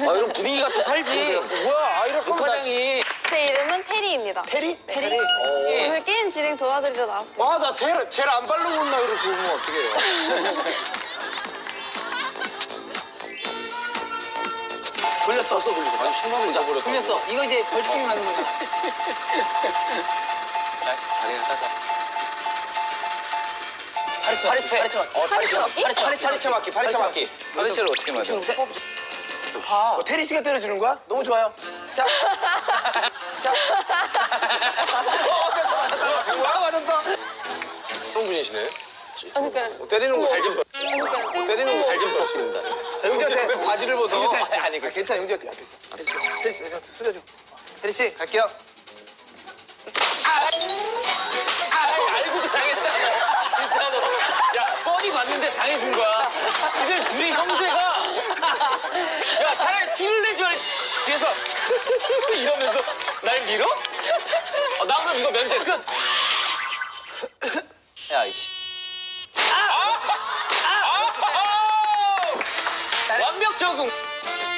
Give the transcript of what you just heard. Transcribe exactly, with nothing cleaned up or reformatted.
이런 분위기가 또 살지. 뭐야, 아, 이럴 거면 나 과장이. 제 이름은 테리입니다. 테리? 네. 테리? 오늘 게임 진행 도와드리러 나왔어요. 와, 나 젤, 젤 안 바르고 온나 이러고 보면 어떡해요. 걸렸어. 또 걸렸어. 아니, 신발을 잊어버렸어. 걸렸어. 이거 이제 벌칙이 맞는 거잖아. 다리를 따자. 파리채. 파리채. 파리채 맞기. 어, 파리채 맞기. 파리채 파리채, 파리채 맞기. 파리채 맞기. 파리채를 어떻게 맞아? 어, 테리 씨가 때려주는 거야? 너무 좋아요. 자. 자. 어, 됐어, 맞았다. 뭐야, 맞았어. 그런 분이시네. 그러니까. 어, 때리는 거 잘 좀. 그러니까. 어, 때리는 거 잘 좀 부탁드립니다. 형제한테 왜 바지를 벗어? 아니, 아니, 그 괜찮아, 형제한테 앞에 있어. 앞에 있어. 테리 씨, 내가 쓰려줘. 테리 씨, 갈게요. 아, 알고도 당했다. 진짜로. 야, 뻔히 봤는데 당해준 거야. 이들 둘이 형제가. 야, 차라리 티를 내줘야 뒤에서 이러면서 날 밀어? 어, 나 그럼 이거 면제 끝. 야, 이씨. 아! 아! 아! 아! 완벽 적응.